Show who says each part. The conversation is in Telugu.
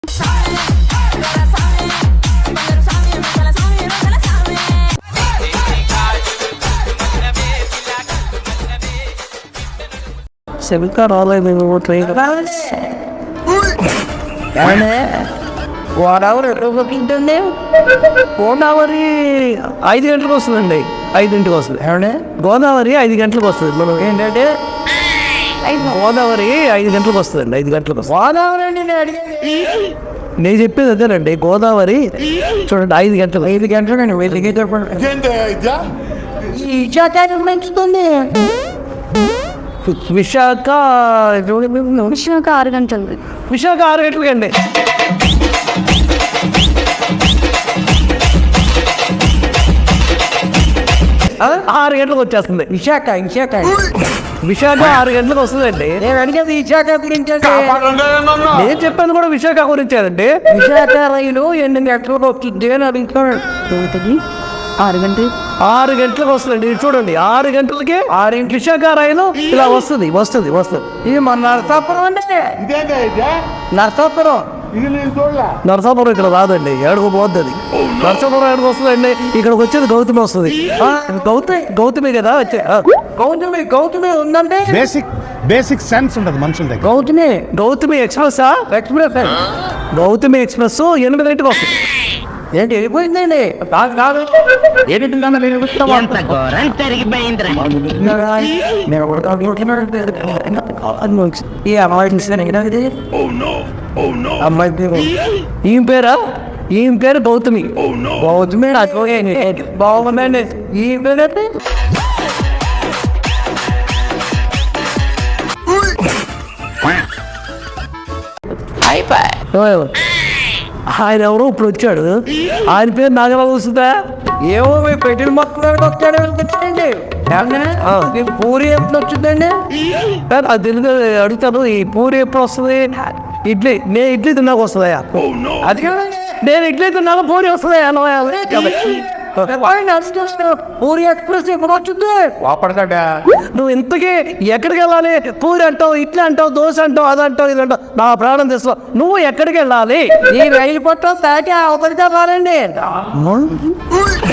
Speaker 1: సెమికా రాలేదు ట్రైన్ గోదావరి ఎట్లుంటుంది? గోదావరి 5 గంటలకు వస్తుందండి, 5ంటికి వస్తుంది. ఏమంటే గోదావరి 5 గంటలకు వస్తుంది. మనం ఏంటంటే గోదావరి 5 గంటలకు వస్తుందండి, 5 గంటలకు వస్తుంది. గోదావరి అండి నేను చెప్పేది అదేనండి. గోదావరి చూడండి 5 గంటలు, 5 గంటలు పెంచుతుంది. విశాఖ
Speaker 2: 6 గంటలు.
Speaker 1: విశాఖ 6 గంటలకండి. ఆరు గంటలకు వచ్చేస్తుంది విశాఖ. విశాఖ 6 గంటలకు వస్తుందండి. నేను అడిగేది విశాఖ గురించి. నేను చెప్పాను కూడా విశాఖ గురించి అండి. విశాఖ రైలు 8 గంటలకు వస్తుంది అని అడుగుతున్నాడు. 6 గంటలకు వస్తుందండి. చూడండి 6 గంటలకి 6 విశాఖ రైలు ఇలా వస్తుంది. ఇది మన నరసాపురం అండి. నరసాపురం ఇక్కడ రాదండి, ఏడుగు పోద్ది అది. నరసాపురం ఏడుగు వస్తుందండి. ఇక్కడికి వచ్చేది గౌతమి వస్తుంది. గౌతమి కదా వచ్చే గౌతమి ఉందంటే
Speaker 3: బేసిక్ సెన్స్ ఉంటుంది మనుషుల దగ్గర.
Speaker 1: గౌతమి ఎక్స్ప్రెస్ గౌతమి ఎక్స్ప్రెస్ 8 గంటలకు వస్తుంది. ఏంటి వెళ్ళిపోయిందండి? కాదు ఈ అమ్మాయి పేరు ఈమె పేరు గౌతమి. బాగుందండి. ఈ పేరు అయితే ఆయన ఎవరో ఇప్పుడు వచ్చాడు. ఆయన పేరు నాగలా వస్తుందా? ఏమో పెట్టిన మొత్తం వచ్చాడండి. పూరి ఎప్పుడు వచ్చిందండి? అది తెలుగు అడుగుతాను. ఈ పూరి ఎప్పుడు వస్తుంది? ఇడ్లీ. నేను ఇడ్లీ తిన్నాక వస్తుందయా? అది నేను ఇడ్లీ తిన్నాక పూరి వస్తుందయా? పూరి ఎక్స్ప్రెస్ ఎప్పుడు వచ్చింది? నువ్వు ఇంతకీ ఎక్కడికి వెళ్ళాలి? పూరి అంటావు, ఇడ్లీ అంటావు, దోశ అంటావు, అది అంటావు, ఇది అంటావు. నా ప్రాణం తెస్తావు. నువ్వు ఎక్కడికి వెళ్ళాలి? ఈ రైలు పట్టాలి అవతలిగా రాలండి.